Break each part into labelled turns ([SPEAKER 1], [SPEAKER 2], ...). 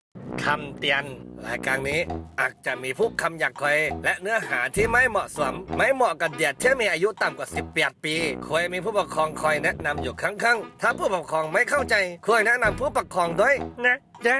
[SPEAKER 1] คำเตือนรายการนี้อาจจะมีผู้คำหยาบคายและเนื้อหาที่ไม่เหมาะสมไม่เหมาะกับเด็กที่มีอายุต่ำกว่า18 ปีควรมีผู้ปกครองคอยแนะนำอยู่ข้างๆถ้าผู้ปกครองไม่เข้าใจควรแนะนำผู้ปกครองด้วยนะจ๊ะ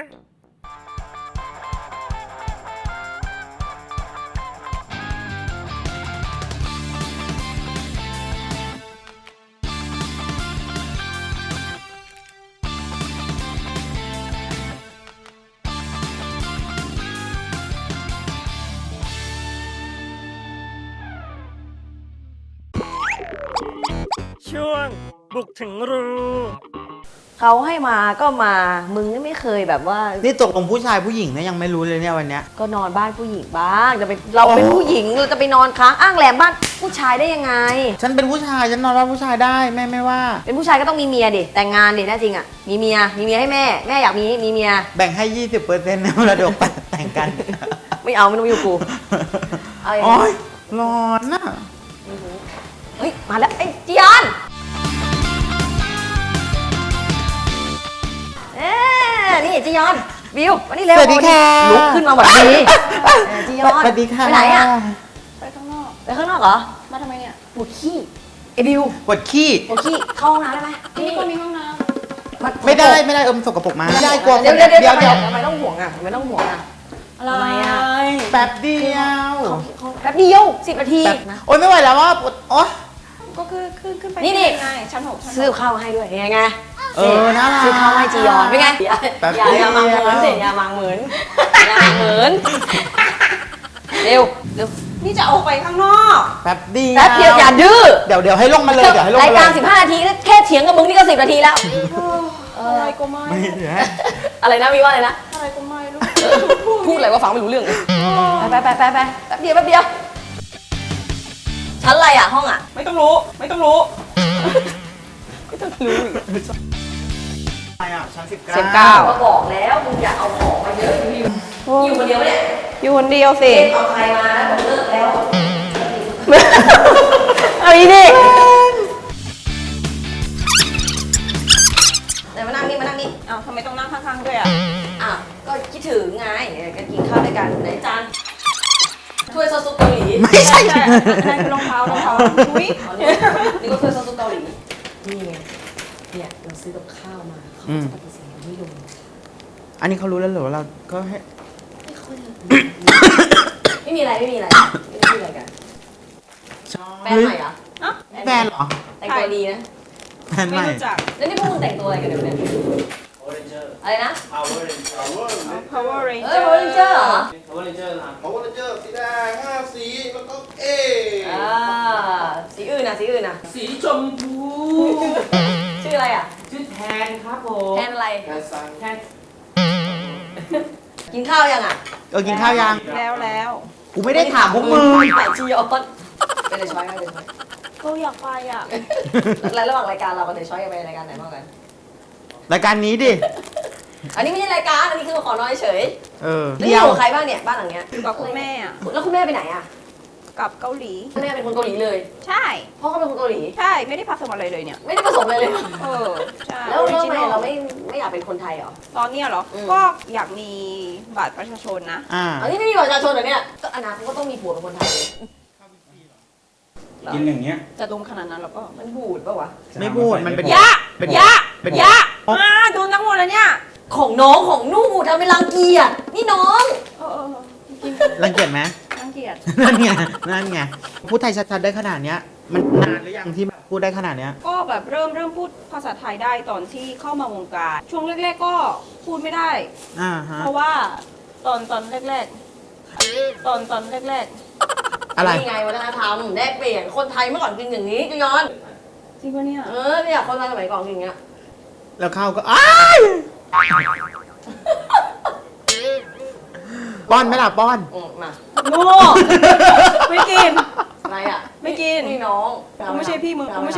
[SPEAKER 1] ช่วงบุกถึงรู
[SPEAKER 2] เขาให้มาก็มามึงไม่เคยแบบว่า
[SPEAKER 3] นี่ตกลงผู้ชายผู้หญิงนะยังไม่รู้เลยเนี่ยวันเนี้ย
[SPEAKER 2] ก็นอนบ้านผู้หญิงบ้างจะไปเราเป็นผู้หญิงเราจะไปนอนค้างอ้างแรมบ้านผู้ชายได้ยังไง
[SPEAKER 3] ฉันเป็นผู้ชายฉันนอนบ้านผู้ชายได้แม่ไม่ว่า
[SPEAKER 2] เป็นผู้ชายก็ต้องมีเมียดิแต่งงานดิแน่จริงอ่ะมีเมียให้แม่อยากมีเมีย
[SPEAKER 3] แบ่งให้ 20%ในมรดกแต่งกัน
[SPEAKER 2] ไม่เอาไม่ต้องอยู่กู
[SPEAKER 3] โอ๊ยร้อนน่ะ
[SPEAKER 2] เฮ้ยมาแล้วไอ้จียอนนี่จียอนวิววันนี้เร็ว
[SPEAKER 3] สวัสดีค่ะ
[SPEAKER 2] ลุกขึ้นมาแบบนี้จียอน
[SPEAKER 3] สวัสดีค่ะ
[SPEAKER 2] ไปไหนอ่ะ
[SPEAKER 4] ไปข้างนอก
[SPEAKER 2] เหรอ
[SPEAKER 4] มาทำไมเนี่ย
[SPEAKER 2] ปวดขี้ไอ้บิว
[SPEAKER 3] ปวดขี้
[SPEAKER 2] เข้าห้องน้ำได้ไหม
[SPEAKER 4] ที่นี่ก็มีห้องน้
[SPEAKER 3] ำไม่ได้สกปรกมาไม่ได้กลัว
[SPEAKER 2] เดี๋ยวทำไมต้องห่วงอ่ะอะไร
[SPEAKER 4] ำอะไร
[SPEAKER 3] แป๊บเดียว
[SPEAKER 2] 10 นาทีนะ
[SPEAKER 3] โอ๊ยไม่ไหวแล้วว่าปวดโอ๊ย
[SPEAKER 4] ก็คือขึ้นไป
[SPEAKER 2] นี่
[SPEAKER 4] ไงชั้น 6
[SPEAKER 2] ซื้อข้าวให้ด้วยไง
[SPEAKER 3] น่ารัก
[SPEAKER 2] ซื้อข้าวให้จียอนเป็นไงอย่ามังเหมือนเด็กอย่ามังเหมือนเร็ว
[SPEAKER 4] นี่จะออกไปข้างนอก
[SPEAKER 3] แป๊บเดี
[SPEAKER 2] ยวอย่าดื้อ
[SPEAKER 3] เดี๋ยวให้ลงมาเลย
[SPEAKER 2] รายการ15 นาทีแค่เถียงกับมึงนี่ก็10 นาทีแล้ว
[SPEAKER 4] อะไรก็ไม่
[SPEAKER 2] อะไรนะมีว่าอะไรนะ
[SPEAKER 4] อะไรก็ไม่รู้
[SPEAKER 2] พูดอะไรว่าฟังไม่รู้เรื่องไปแป๊บเดียวชั้นอะไรอ่ะห้องอ่ะ
[SPEAKER 4] ไม่ต้องรู้
[SPEAKER 2] ไม่ต้องรู้
[SPEAKER 3] อะไรอ่ะชั้น
[SPEAKER 2] 19ก็บอกแล้วมึงอย่าเอาของมาเยอะอยู่คนเดียวเนี่ย
[SPEAKER 4] อยู่คนเดียวสิ
[SPEAKER 2] เอาใครมาแล้วผมเลิกแล้วเอาอีนี่ไหนมานั่งนี่
[SPEAKER 4] อ้าวทำไมต้องนั่งข้างๆด้วยอ่ะ
[SPEAKER 2] อ้าวก็คิดถึงไงกันกินข้าวด้วยกันไหนจานถ้วยซอสซุปเกาหลี
[SPEAKER 3] ไม่ใช่
[SPEAKER 4] นั่นคือรองเท้าอุ้ย
[SPEAKER 2] นี่ก็ถ้วยซอสซุปเกาหลีนี่ไงเนี่ยเราซื้อกับข้าวมาเขาจะปฏิเสธไม่ลง
[SPEAKER 3] อันนี้เขารู้แล้วเหรอเราก็ให้
[SPEAKER 2] ไม่มีอะไรกันแฟนใหม่เหรอ
[SPEAKER 3] แฟนเหรอ
[SPEAKER 2] แต่งตัวดีนะ
[SPEAKER 3] แฟนใหม่
[SPEAKER 2] แล้วนี่พวกมึงแต่งตัวอะไรกันเนี่ยอะไรนะ
[SPEAKER 4] Power Ranger
[SPEAKER 2] Power Ranger เหรอ
[SPEAKER 5] Power Ranger นะครับ Power Ranger สีแดง5 สีแล้วก็
[SPEAKER 2] สีอื่นนะ
[SPEAKER 5] สีชมพู
[SPEAKER 2] ชื่ออะไรอ่ะ
[SPEAKER 5] ชื่อแทนครับผม
[SPEAKER 2] แทนอะไร
[SPEAKER 5] แทนซังแทน
[SPEAKER 2] กินข้าวยังอ่ะ
[SPEAKER 3] กินข้าวยัง
[SPEAKER 4] แล้ว
[SPEAKER 3] กูไม่ได้ถามพวกมึง
[SPEAKER 2] แต่จียอนไปเลยช้อย
[SPEAKER 4] ก็อยากไปอ่ะ
[SPEAKER 2] แล้วระหว่างรายการเรากับเดช้อยไปรายการไหนบ้างกัน
[SPEAKER 3] รายการนี้ดิ
[SPEAKER 2] อันนี้ไม่ใช่รายการอันนี้คือมาขอนอนเฉย
[SPEAKER 3] นี่
[SPEAKER 2] อยู่ใครบ้างเนี่ยบ้านหลังเนี้ย
[SPEAKER 4] กับคุณแม่อ่ะ
[SPEAKER 2] แล้วคุณแม่ไปไหนอ่ะ
[SPEAKER 4] กับเกาหลี
[SPEAKER 2] แม่เป็นคนเกาหลีเลย
[SPEAKER 4] ใช่
[SPEAKER 2] พ่อเขาเป็นคนเกาหลี
[SPEAKER 4] ใช่ไม่ได้ผสมอะไรเลยเนี่ย
[SPEAKER 2] ไม่ได้ผสมเลย
[SPEAKER 4] ใช่
[SPEAKER 2] แล้วทำไมเราไม่อยากเป็นคนไทยเหรอ
[SPEAKER 4] ตอนนี้เหรอก็อยากมีบัตรประชาชนนะ
[SPEAKER 2] อันนี้ไม่มีบัตรประชาชนเหรอเนี่ยก็อนาคตก็ต้องมีผัวเป็นคนไทยเลย
[SPEAKER 5] กินอย่างเงี้ย
[SPEAKER 4] จะดมขนาดนั้นแล้วก็
[SPEAKER 2] มันบูดป่าวะ
[SPEAKER 3] ไม่บูดมันเป็น
[SPEAKER 4] ยะโดนทั้งหมดแล้วเนี่ย
[SPEAKER 2] ของน้องของนู่ทำเป็นรังเกียจนี่น้อง
[SPEAKER 3] รังเกียจไหม
[SPEAKER 4] รังเกียจ
[SPEAKER 3] นั่นไงพูดไทยชัดๆได้ขนาดเนี้ยมันนานหรือยังที่แบบพูดได้ขนาดเนี้ย
[SPEAKER 4] ก็แบบเริ่มพูดภาษาไทยได้ตอนที่เข้ามาวงการช่วงแรกๆก็พูดไม่ได้เพราะว่าตอนแรก
[SPEAKER 3] อะไร
[SPEAKER 2] นี่ไงวัฒนธรรมแลกเปลี่ยนคนไทยเมื่อก่อนกินอย่างนี้จียอน
[SPEAKER 4] จริงปะเนี่ย
[SPEAKER 2] เนี่ยคนไทยสมัยก่อนกินอย่างเงี้ย
[SPEAKER 3] แล้วข้าวก็ป้อนไหมล่ะป้อน
[SPEAKER 2] มา
[SPEAKER 4] โง่ไม่กิน
[SPEAKER 2] อะไรอ่ะ
[SPEAKER 4] ไม่กิน
[SPEAKER 2] นี่น้อง
[SPEAKER 4] กูไม่ใช่พี่มึงนั่งลง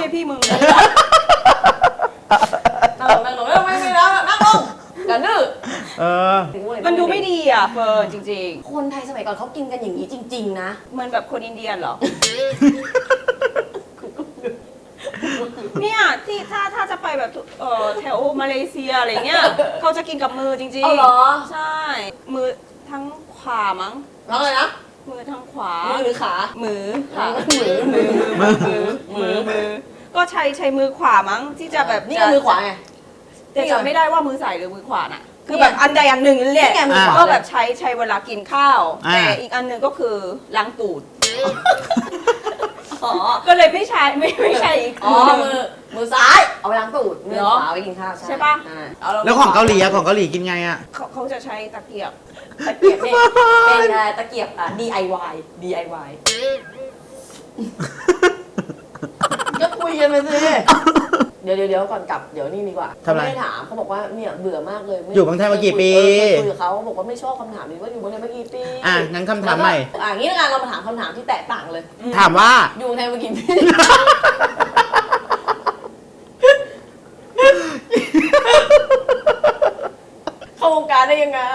[SPEAKER 2] ไม่แล้วนั่งลงกันดื้อ
[SPEAKER 4] มันดูไม่ดีอ่ะเฟิร์นจริง
[SPEAKER 2] ๆคนไทยสมัยก่อนเขากินกันอย่างนี้จริงๆนะ
[SPEAKER 4] เหมือนแบบคนอินเดียเหรอเนี่ยที่ถ้าจะไปแบบแถวมาเลเซียอะไรเงี้ยเขาจะกินกับมือจริงๆ
[SPEAKER 2] เอาเหรอ
[SPEAKER 4] ใช่ทั้งขวามั้ง
[SPEAKER 2] ร้องเลยนะ
[SPEAKER 4] มือทั้งขวา
[SPEAKER 2] มือหรือขา
[SPEAKER 4] มือค่ะ
[SPEAKER 2] มือ
[SPEAKER 4] ก็ใช้มือขวามั้งที่จะแบบ
[SPEAKER 2] นี่มือขวาไง
[SPEAKER 4] แต่จำไม่ได้ว่ามือซ้ายหรือมือขวาน่ะ คือ
[SPEAKER 2] นี่
[SPEAKER 4] แบบอันใดอันหนึ่งนั่นแหละ
[SPEAKER 2] นี่ไงมือขวา
[SPEAKER 4] ก็แบบใช้เวลากินข้าว
[SPEAKER 3] อ่า
[SPEAKER 4] แต่อีกอันหนึ่งก็คือล้างตูด
[SPEAKER 2] อ๋อ
[SPEAKER 4] ก็เลยไม่ใช่ไม่ใช่อีก
[SPEAKER 2] อ๋อ มือซ้ายเอาไปล้างตูด มือขวาไปกินข้าว
[SPEAKER 4] ใช่ปะ
[SPEAKER 2] เอา
[SPEAKER 3] แล้วของเกาหลีอะของเกาหลีกินไงอะ
[SPEAKER 4] เขาจะใช้ตะเกียบ
[SPEAKER 2] ตะเกียบเนี่ยเป็นตะเกียบDIY ก็คุยกันไปสิเดี๋ยวก่อนกลับเดี๋ยวนี่ดีกว่า
[SPEAKER 3] ทำไม
[SPEAKER 2] ไม่ได้ถามเขาบอกว่าเนี่ยเบื่อมากเลย
[SPEAKER 3] อยู่เมืองไทยมากี่ปี
[SPEAKER 2] คุยกับเขาบอกว่าไม่ชอบคำถามนี้ว่าอยู่เมืองไทยมากี่ปี
[SPEAKER 3] อ่ะงั้นคำถามใหม่
[SPEAKER 2] งี้ละกันเรามาถามคำถามที่แตกต่างเลย
[SPEAKER 3] ถามว่า
[SPEAKER 2] อยู่เมืองไทยมากี่ปีเข้าวงการได้ยังไง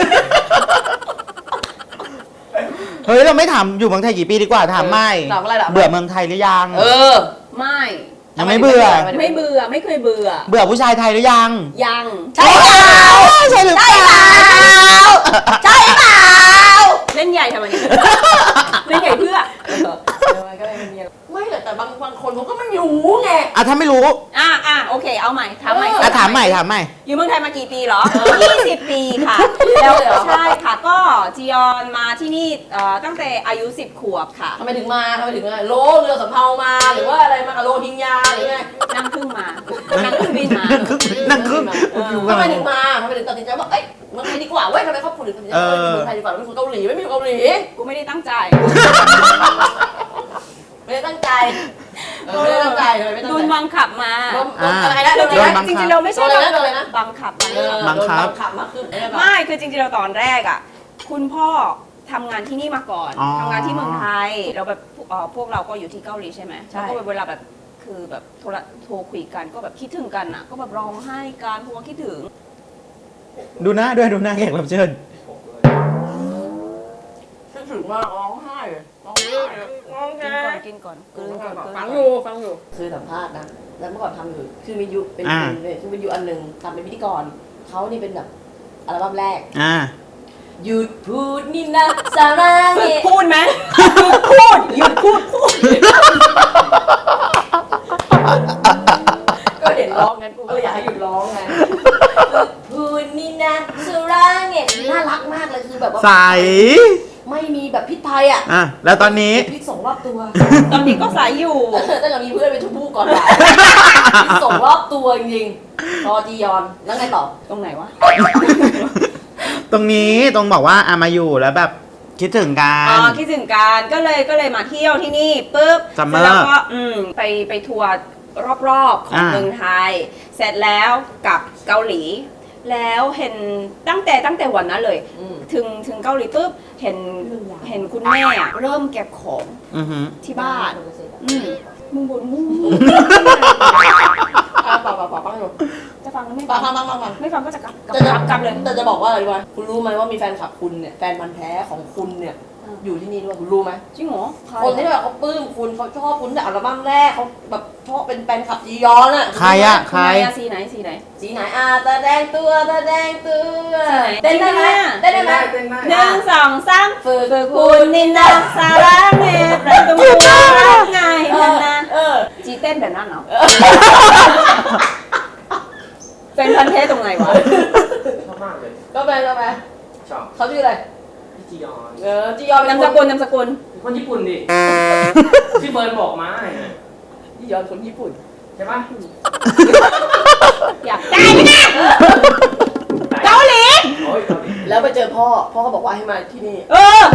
[SPEAKER 3] เฮ้ยเราไม่ถามอยู่เมืองไทยกี่ปีดีกว่าถามไม่
[SPEAKER 2] ถามอะไรล่ะ
[SPEAKER 3] เบื่อเมืองไทยหรือยัง
[SPEAKER 4] ไม่
[SPEAKER 3] ยังไม่เบื่อ
[SPEAKER 4] ไม่เบื่อไม่เคยเบื่อ
[SPEAKER 3] เบื่อผู้ชายไทยหรือยัง
[SPEAKER 4] ยัง
[SPEAKER 2] ใช่เปล่า
[SPEAKER 3] ใช่หรือเปล่า
[SPEAKER 2] ใช่เปล่า
[SPEAKER 4] เล่นใหญ่ทำไมเนี่ยเล่นใหญ่เพื่อ
[SPEAKER 2] ไม่แต่บางคนเขาก็ไม่รู้ไง
[SPEAKER 3] อ่ะถ้าไม่รู้
[SPEAKER 4] โอเคเอาใหม่ถามใหม่
[SPEAKER 3] อ่ะถามใหม่ถามใหม่
[SPEAKER 4] อยู่เมืองไทยมากี่ปีเหรอ 20 ปีค่ะ แล้วใช่ค่ะก็จียอนมาที่นี่ตั้งแต่อายุ 10 ขวบค่ะ
[SPEAKER 2] ทำไมถึงโลเรือสำเภามาหรือว่าอะไรมากับโลทิงยาหรือไง
[SPEAKER 4] นั่งเครื่องมา นั่งเครื่องบินมา
[SPEAKER 3] นั่งครึ่ง
[SPEAKER 2] ทำไมถึงตัดสินใจว่าเอ้ยเมืองไทยดีกว่าเว้ยทำไมครอบครัวถึงตัดสินใจว่าเมืองไทยดีกว่าไม่คนเกาหลีไม่มีเกาหลี
[SPEAKER 4] กูไม่ได้ตั้งใจ
[SPEAKER 2] ไม่ได้ตั้งใจไม่ได้ตั้งใจทำไมไม่ตั้ง
[SPEAKER 4] โด
[SPEAKER 2] ใจ
[SPEAKER 4] นบังคับมา
[SPEAKER 2] โดนอะไรนะโดน
[SPEAKER 3] โดน
[SPEAKER 2] อะไร
[SPEAKER 3] บั
[SPEAKER 2] นะ
[SPEAKER 3] ง
[SPEAKER 4] จ
[SPEAKER 3] คั
[SPEAKER 4] ริ
[SPEAKER 3] บ
[SPEAKER 4] งๆเราไม่ใช่
[SPEAKER 2] โดนอะไรนะโดนอะไรนะ
[SPEAKER 4] บังคับ
[SPEAKER 3] บังคับ
[SPEAKER 2] โดนขับมาขึ้น
[SPEAKER 4] ไม่คือจริงๆเราตอนแรกอ่ะ คุณพ่อทำงานที่นี่มาก่อน
[SPEAKER 3] อ๋อ
[SPEAKER 4] ทำงานที่เมืองไทยเราแบบพวกเราก็อยู่ที่เกาหลีใช่ไหมแล้วก็เวลาแบบคือแบบโทรคุยกันก็แบบคิดถึงกันอ่ะ ก็แบบร้องไห้กันเพราะว่าคิดถึง
[SPEAKER 3] ดูหน้าด้วยดูหน้าแขกรับเชิญ
[SPEAKER 2] คิดถึงมากร้องไห้เลยร้องไห้เลย
[SPEAKER 4] กินก่อนกลืนก่อน
[SPEAKER 2] ฟังอยู่คือสัมภาษณ์นะแล้วเมื่อก่อนทำอยู่คือมียุเป็น
[SPEAKER 3] อ่า
[SPEAKER 2] คือเป็นยุอันหนึ่งทำเป็นพิธีกรเขานี่เป็นแบบอัลบั้มแรก
[SPEAKER 3] อ่า
[SPEAKER 2] หยุดพูดนี่นะสาระ
[SPEAKER 4] ฝึก
[SPEAKER 2] เนี่ย
[SPEAKER 4] พูดไหมฝึกพูดหยุดพูด
[SPEAKER 2] ก็เห็นร้องงั้นกูก็เลยอยากให้หยุดร้องไงหยุดพูดนี่นะสาระเนี่ยน่ารักมากเลยคือแบบว่า
[SPEAKER 3] ใส
[SPEAKER 2] ไม่มีแบบพิษภัยอ่ะ
[SPEAKER 3] อ่ะแล้วตอนนี้
[SPEAKER 2] พิษส่งรอบตัว
[SPEAKER 4] ตอนนี้ก็สายอยู่
[SPEAKER 2] ตั้งแต่มีเพื่อนเป็นชมพู่ก่อนบ่ายพิษส่งรอบตัวจริงๆรอจียอนแล้วไงต่อ
[SPEAKER 4] ตรงไหนวะ
[SPEAKER 3] ตรงนี้ตรงบอกว่ามาอยู่แล้วแบบคิดถึงกัน
[SPEAKER 4] คิดถึงกันก็เลยมาเที่ยวที่นี่ปุ๊บ
[SPEAKER 3] Summer
[SPEAKER 4] เสร็จแล้วก็ไปทัวร์รอบๆของเมืองไทย เสร็จแล้วกลับเกาหลี แล้วเห็นตั้งแต่วันนั้นเลย ถึงเกาหลีปุ๊บเห็นคุณแม่อะเริ่มเก็บของ
[SPEAKER 3] อือหือ
[SPEAKER 4] ที่บ้านมึงบ่นมึง
[SPEAKER 2] ฟังอยู่
[SPEAKER 4] จะฟังหรือไม่
[SPEAKER 2] ฟั
[SPEAKER 4] ฟั
[SPEAKER 2] ง
[SPEAKER 4] ไม่ฟังก็จะกลับ
[SPEAKER 2] แต่
[SPEAKER 4] เลย
[SPEAKER 2] แต่จะบอกว่าอะไรรู้ไหมคุณรู้ไหมว่ามีแฟนคลับคุณเนี่ยแฟนพันธ์แท้ของคุณเนี่ยอยู่ที่นี่ด้วยคุณรู้ไหม
[SPEAKER 4] จริงเหรอ
[SPEAKER 2] คนที่แบบเขาปลื้มคุณเขาชอบคุณแต่อัลบั้มแรกเขาแบบชอบเป็นแฟนคลับจียอนอ่ะ
[SPEAKER 3] ใครอะใคร
[SPEAKER 4] สีไหน
[SPEAKER 2] สีไหนตาแดงตัว
[SPEAKER 4] สีไหน
[SPEAKER 2] เต้นได้ไหมเต้นได้ไหม
[SPEAKER 4] 1 2 3ฝึกคุณนินนาสาระเมตประตูรักไงนั่นนะจีเต้นแบบนั้นเหรอเป็นพันเทสตรงไหนวะ
[SPEAKER 5] ชอบมากเลย
[SPEAKER 2] ก็ไป
[SPEAKER 5] ชอบ
[SPEAKER 2] เขาชื่ออะไร
[SPEAKER 5] พี่จียอน
[SPEAKER 2] จียอนเป็น
[SPEAKER 4] นาม
[SPEAKER 2] ค
[SPEAKER 4] ส
[SPEAKER 2] น
[SPEAKER 4] กุลนามสกุล
[SPEAKER 5] คนญี่ปุ่นดิที่เบิร์นบอกมา
[SPEAKER 2] จียอนคนญี่ปุ่น
[SPEAKER 5] ใช่ปะ
[SPEAKER 4] อยากได้ไหมนะเกาหลี
[SPEAKER 5] โอ้ยเกาหลี
[SPEAKER 2] แล้วไปเจอพ่อเขาบอกว่าให้มาที่นี่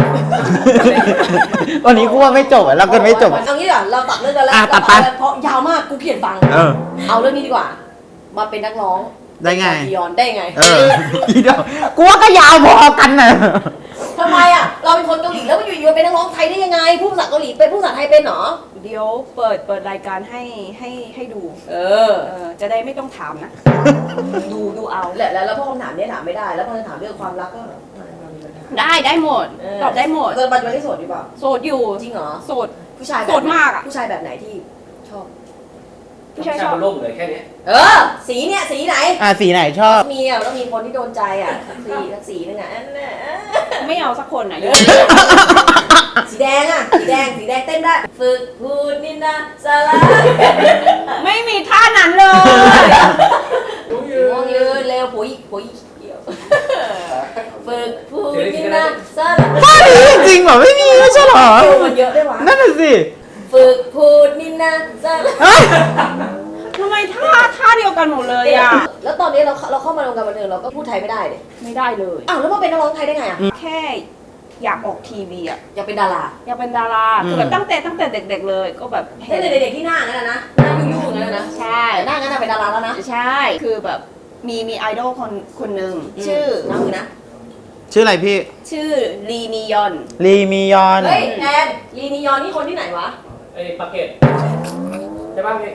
[SPEAKER 3] วันนี้กูว่าไม่จบอ่ะเรากันไม่จบ
[SPEAKER 2] เอางี้ดีกว่าเราตัดเรื่องกันแล้ว
[SPEAKER 3] ตัดไป
[SPEAKER 2] เพราะยาวมากกูเขียนฟัง เอาเรื่องนี้ดีกว่า มาเป็นนักร้อง
[SPEAKER 3] ได้ไง
[SPEAKER 2] จียอนได้ไง
[SPEAKER 3] อีเดียวกูว่าก็ยาวพอกันน่ะ
[SPEAKER 2] ทำไมอ่ะเราเป็นคนเกาหลีแล้วมาอยู่ๆเป็นนักร้องไทยได้ยังไงพูดภาษาเกาหลีเป็นพูดภาษาไทยเป็นเหรอ
[SPEAKER 4] เดี๋ยวเปิดรายการให้ดู จะได้ไม่ต้องถามนะ ดูเอา
[SPEAKER 2] แล้วพวกคำถามเนี้ยถามไม่ได้ แล้วพอจะถามเรื่องความรักก็มีปัญหา
[SPEAKER 4] ได้หมด ตอบได้หมด
[SPEAKER 2] เกินปัจจุบันที่โสดอยู่เปล่า
[SPEAKER 4] โสดอยู่
[SPEAKER 2] จริงเหรอ
[SPEAKER 4] โสด
[SPEAKER 2] ผู้ชายแบบ
[SPEAKER 4] โสดมากอะ
[SPEAKER 2] ผู้ชายแบบไหนที่ชอบ
[SPEAKER 4] ผู้ชายชอบ
[SPEAKER 5] มันล่มเลยแค่นี้
[SPEAKER 2] สีเนี่ยสีไหน
[SPEAKER 3] สีไหนชอบ
[SPEAKER 2] มีอ่ะต้องมีคนที่โดนใจอ่ะสีนึงอ่ะ
[SPEAKER 4] ไม่เอาสักคนอ่ะ
[SPEAKER 2] สีแดงอ่ะสีแดงเต้นได้ฝึกพูดนินนาสาระ
[SPEAKER 4] ไม่มีท่านั้นเลย
[SPEAKER 2] มองยืนเร็วปุ๋ยเกี่ยวฝึกพูดนินนาสาระ
[SPEAKER 3] ท่านี้จริงเหรอไม่มีไม่ใช่เหรอ
[SPEAKER 2] มันเยอะด้วยวะ
[SPEAKER 3] นั่นน่ะสิ
[SPEAKER 2] ฝึกพูดนินนาสาระ
[SPEAKER 3] เฮ้ย
[SPEAKER 4] ทำไมท่าเดียวกันหมดเลยอ่ะ
[SPEAKER 2] แล้วตอนนี้เราเข้ามาในวงการบันเทิงเราก็พูดไทยไม่ได้เลย
[SPEAKER 4] ไม่ได้เลย
[SPEAKER 2] อ้าวแล้วมาเป็นนักร้องไทยได้ไงอ่ะ
[SPEAKER 4] แค่อยากออกทีวีอ่ะ
[SPEAKER 2] อยากเป็นดารา
[SPEAKER 4] อยากเป็นดาราคือแบบตั้งแต่เด็กๆเลยก็แบบ
[SPEAKER 2] เต้นเด็กๆที่หน้างั้นนะหน้ายุ่งๆอย่างนั้นนะ
[SPEAKER 4] ใช่
[SPEAKER 2] แต่หน้างั้นเป็นดาราแล้วนะ
[SPEAKER 4] ใช่ คือแบบมีไอดอลคนหนึ่งชื่อ
[SPEAKER 2] น้ำมือนะ
[SPEAKER 3] ชื่ออะไรพี่
[SPEAKER 4] ชื่อลีนียอน
[SPEAKER 3] ลีมียอน
[SPEAKER 2] เฮ้ยแอนลีนียอนนี่คนที่ไหนวะ
[SPEAKER 6] ไอ้ปากเกตใช่ป่ะพี่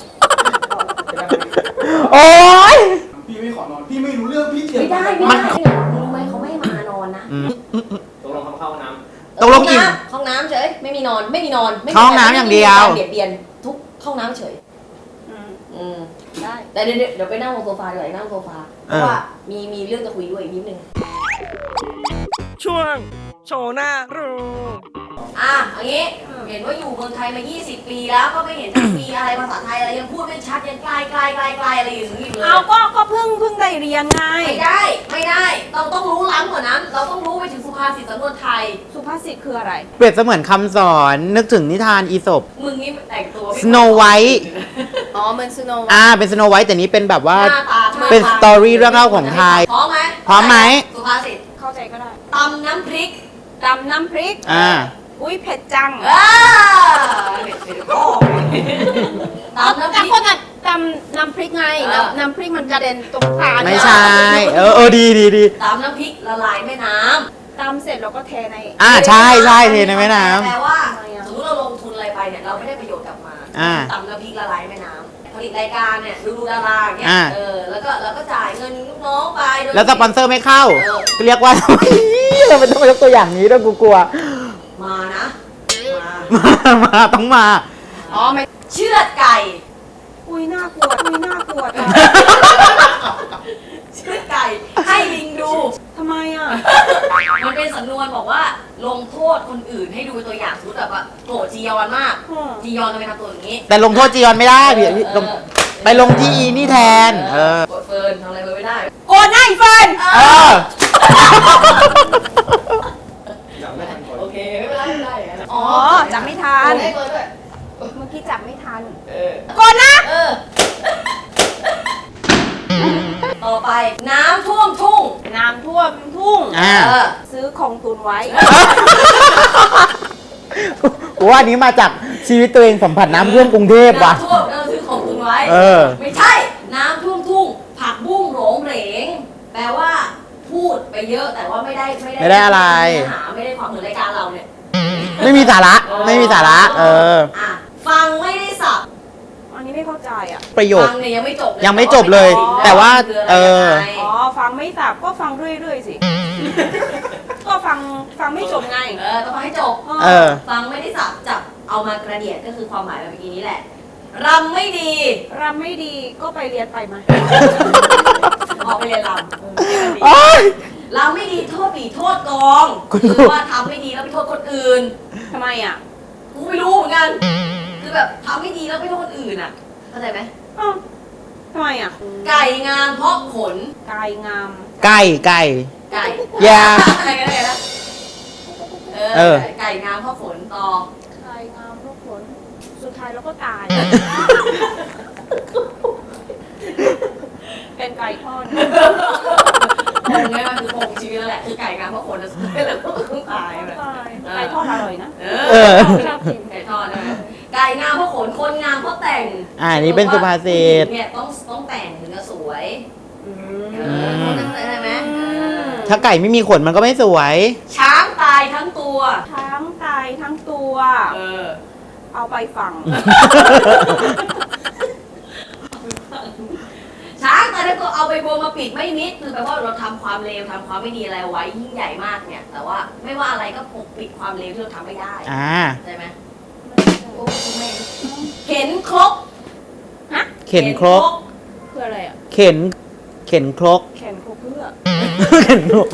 [SPEAKER 3] โอ๊ย
[SPEAKER 5] พี่ไม่ขอนอน พี่ไม่รู้เรื่องพี่เถียง
[SPEAKER 2] ไม่ได้
[SPEAKER 3] มัน
[SPEAKER 2] รู้ไหมเขาไม่ให้มานอนนะ
[SPEAKER 6] ตกลงเข้าน้
[SPEAKER 3] ตกลงอิ่ม
[SPEAKER 2] ห้องน้ำเฉยไม่มีนอนไม่มีนอนไม่มี
[SPEAKER 3] ห้องน้ำอย่างเดียว
[SPEAKER 2] เบียดเบียนทุกห้องน้ำเฉย
[SPEAKER 4] อืม
[SPEAKER 2] ได้แต่เดี๋ยวไปนั่งบนโซฟาดีกว่านั่งบนโซฟาเพราะว่ามีเรื่องจะคุยด้วยอีกนิดนึง
[SPEAKER 1] ช่วงโชว์หน้ารูป
[SPEAKER 2] อย่างนี้เห็นว่าอยู่เมืองไทยมา 20 ปีแล้วก็ไม่เห็นจะมีอะไรภาษาไทยอะไรยังพูดไม่ชัดยังไกลอะไรอย่างนี้เลย
[SPEAKER 4] เอาก็เพิ่งได้เรียนไง
[SPEAKER 2] ไม่ได้เราต้องรู้ล้ำกว่านั้น เราต้องรู้ไปถึงสุภาษิตสำนวนไทย
[SPEAKER 4] สุภาษิตคืออะไร
[SPEAKER 3] เปรียบเสมือนคำสอนนึกถึงนิทานอีสป
[SPEAKER 2] มึงนี่แต่งตัวไม่
[SPEAKER 3] Snow White
[SPEAKER 4] อ๋อมันสโนว์
[SPEAKER 3] เป็นสโนไวท์แต่นี้เป็นแบบว่า
[SPEAKER 2] หน้าตาท่า
[SPEAKER 3] เป็น
[SPEAKER 2] ทาง
[SPEAKER 3] สตอรี่เรื่องเล่าของไทย
[SPEAKER 2] พร้อมไหม
[SPEAKER 3] พร้อมไหม
[SPEAKER 2] สุภาษิต
[SPEAKER 4] เข้าใจก็ได้
[SPEAKER 2] ตำน้ำพริก
[SPEAKER 4] ตำน้ำพริก อุ้ยเผ็ดจัง
[SPEAKER 2] เด็ดพ่อตำน้ำพ
[SPEAKER 4] แต่
[SPEAKER 2] ริก
[SPEAKER 4] คนอ่ะตำน้ำพริกไงน้ำพริกมันกระเด็นตรงตา
[SPEAKER 3] ไม่ใช่ ดี
[SPEAKER 2] ตำน้ำพริกละลายแม่น้ำ
[SPEAKER 4] ตำเสร็จเราก็เทใน
[SPEAKER 3] ใช่เทในแม่น้ำ
[SPEAKER 2] แปลว่าสมมติเราลงทุนอะไรไปเนี่ยเราไม่ได้ประโยชน์กลับมา ตำน้ำพริกละลายแม่น้ำผลิตรายการเนี่ยดูดาราอย่างเงี้ยแล้วก็จ่ายเงินลูกน้องไปโดย
[SPEAKER 3] แล้วสปอนเซอร์ไม่เข้า เรียกว่า เราไม่ต้องมายกตัวอย่างนี้ด้วยกูกลัว
[SPEAKER 2] มานะ
[SPEAKER 3] มาต้องมา
[SPEAKER 4] อ๋อไม่
[SPEAKER 2] เชือดไก่
[SPEAKER 4] อุ้ยน่ากลัวจัง
[SPEAKER 2] เชือดไก่ให้ลิงดู
[SPEAKER 4] ทำไมอ่ะ
[SPEAKER 2] มันเป็นสำนวนบอกว่าลงโทษคนอื่นให้ดูเป็นตัวอย่างสมมติแบบว่าโกรธจียอนมาก จียอนจะไปทำตัวอย่างนี้
[SPEAKER 3] แต่ลงโทษจียอนไม่ได้พี่ลงไปลงที่อีนี่แทน
[SPEAKER 2] โกรธเฟิร์นทำอะไรเฟิร์นไม่ได้
[SPEAKER 4] โกนหน้าอีเฟิร์น
[SPEAKER 2] โอเคไม่เป็นไรไม่เป็นไร
[SPEAKER 4] อ๋อจับไม่ทัน
[SPEAKER 2] ให้เฟิร์นด้วย
[SPEAKER 4] เมื่อกี้จับไม่ทัน
[SPEAKER 2] เออ
[SPEAKER 4] โกนนะ
[SPEAKER 2] ต่อไปน้ำท่วมทุ่ง
[SPEAKER 4] น้ำท่วมทุ่ง ซื้อของตุนไว้
[SPEAKER 3] ว่าอันนี้มาจากชีวิตตัวเองสัมผัสน้ำท่วมกรุงเทพว่ะ
[SPEAKER 2] น้ำท่วมซื้อของตุนไว้ ไม่ใช่ น้ำท่วมทุ่ง ผักบุ้งโหรงเหรง แปลว่า พูดไปเยอะแต่ว่าไม่ได้
[SPEAKER 3] ไม่ได้อะไร
[SPEAKER 2] เนื้อหาไม่ได้ความเหมือนรายการเราเนี่ย
[SPEAKER 3] ไม่มีสาระ
[SPEAKER 2] ฟังไม่ได้สับ
[SPEAKER 4] อันนี้ไม่เข้าใจอ่ะ
[SPEAKER 3] ประโยค
[SPEAKER 2] ฟังเนี่ยยังไม่จบเลย
[SPEAKER 3] ยังไม่จบเลย แต่ว่า
[SPEAKER 2] คืออะไรยังไง
[SPEAKER 4] อ๋อ ฟังไม่สับก็ฟังเรื่อยๆสิ ก็ฟังไม่จบไง
[SPEAKER 2] ต้องฟังให้จบ ฟังไม่ได้สับจับเอามากระเดียดก็คือความหมายแบบเมื่อกี้นี้แหละ รำไม่ดี
[SPEAKER 4] รำไม่ดีก็ไปเรียนไปมา
[SPEAKER 2] ออกไปเรียนรำ
[SPEAKER 3] โอ๊ย
[SPEAKER 2] รำไม่ดีโทษปีโทษกองคือว่าทำไม่ดีแล้วไปโทษคนอื่น
[SPEAKER 4] ทำไมอ่ะ
[SPEAKER 2] กูไม่รู้เหมือนกัน คือแบบทำไม่ดีแล้วไปโทษคนอื่นอ่ะ เข้าใจไหม
[SPEAKER 4] อ้าวทำไมอ่ะ
[SPEAKER 2] ไก่งามเพราะขน
[SPEAKER 4] กายงาม
[SPEAKER 3] ไก่
[SPEAKER 2] ไก่
[SPEAKER 3] อย่า
[SPEAKER 2] อะไรกันอะไรนะไก่งามเพราะขนต่อ
[SPEAKER 4] กายงามลูกผล สุดท้ายเราก็ตาย เป็นไก่ทอด
[SPEAKER 2] คงไงมันคือคงชีวิตแล้วแหละคือไก่งามเพราะขนแล้วสุดท้ายเราก็ต้องตายแบบ
[SPEAKER 4] ไก่ทอดอร่อยนะ ชอบกิน
[SPEAKER 2] ไก่ทอดใช่ไหมไก่งามเพราะขน คนงามเพราะแต่ง
[SPEAKER 3] อันนี้เป็นสุภาษิต
[SPEAKER 2] เนี่ยต้องแต่งถึงจะสวยคนนั้นใช่ไหม
[SPEAKER 3] ถ้าไก่ไม่มีขนมันก็ไม่สวย
[SPEAKER 2] ช้างตายทั้งตัว
[SPEAKER 4] ทั้งตายทั้งตัว เอาไปฝัง
[SPEAKER 2] ช้างตายทั้งตัวเอาไปบัวมาปิดไม่มิดคือแปลว่าเราทำความเลวทำความไม่ดีอะไรไว้ยิ่งใหญ่มากเนี่ย แต่ว่าไม่ว่าอะไรก็ปกปิดความเลวที่เราทำไม่ได้ใช่ไหมโอ้ไม่เข็นครก
[SPEAKER 3] เข็นครก
[SPEAKER 4] คืออะไรอ่ะ
[SPEAKER 3] เข็นเข็นครก
[SPEAKER 4] เข็นครกเพื่อ
[SPEAKER 3] เข็นครก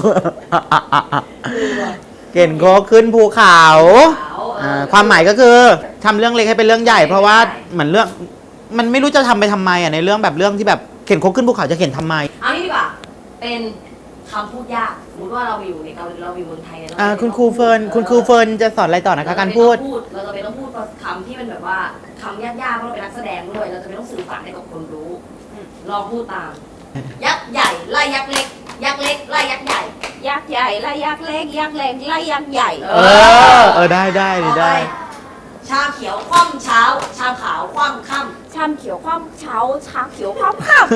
[SPEAKER 3] เข็นครกขึ้นภูเขา ความหมายก็คือทำเรื่องเล็กให้เป็นเรื่องใหญ่ เพราะว่าเหมือนเรื่องมันไม่รู้จะทำไปทำไมอ่ะในเรื่องแบบเรื่องที่แบบเข็นครกขึ้นภูเขาจะเข็นทำไม
[SPEAKER 2] เอางี้ดีกว่าเป็นคำพูดยากสมมติว่าเราไปอยู่ในเกาหลีเราอยู่เมืองไทยเนี่ย
[SPEAKER 3] คุณครูเฟิร์นจะสอนอะไรต่อนะคะการพูด
[SPEAKER 2] เราจะไม่ต้องพูดคำที่มันแบบว่าคำยากๆเพราะเราเป็นนักแสดงด้วยเราจะไม่ต้องสื่อสารให้กับคนรู้ลองพูดตาม ยักษ์ใหญ่ไล่ยักษ์เล็ก ยักษ์เล็กไล่ยักษ์ใหญ่
[SPEAKER 4] ยักษ์ใหญ่ไล่ยักษ์เล็กยักษ์เล็กไล่ยักษ์ใหญ่
[SPEAKER 3] ได้
[SPEAKER 2] ต่อไป
[SPEAKER 3] ได้
[SPEAKER 2] ชาเขียวคว่ำเช้า ชาขาวคว่ำค่
[SPEAKER 4] ชามเขียวคว่ำเช้าชาเขียวคว่ำค่ำ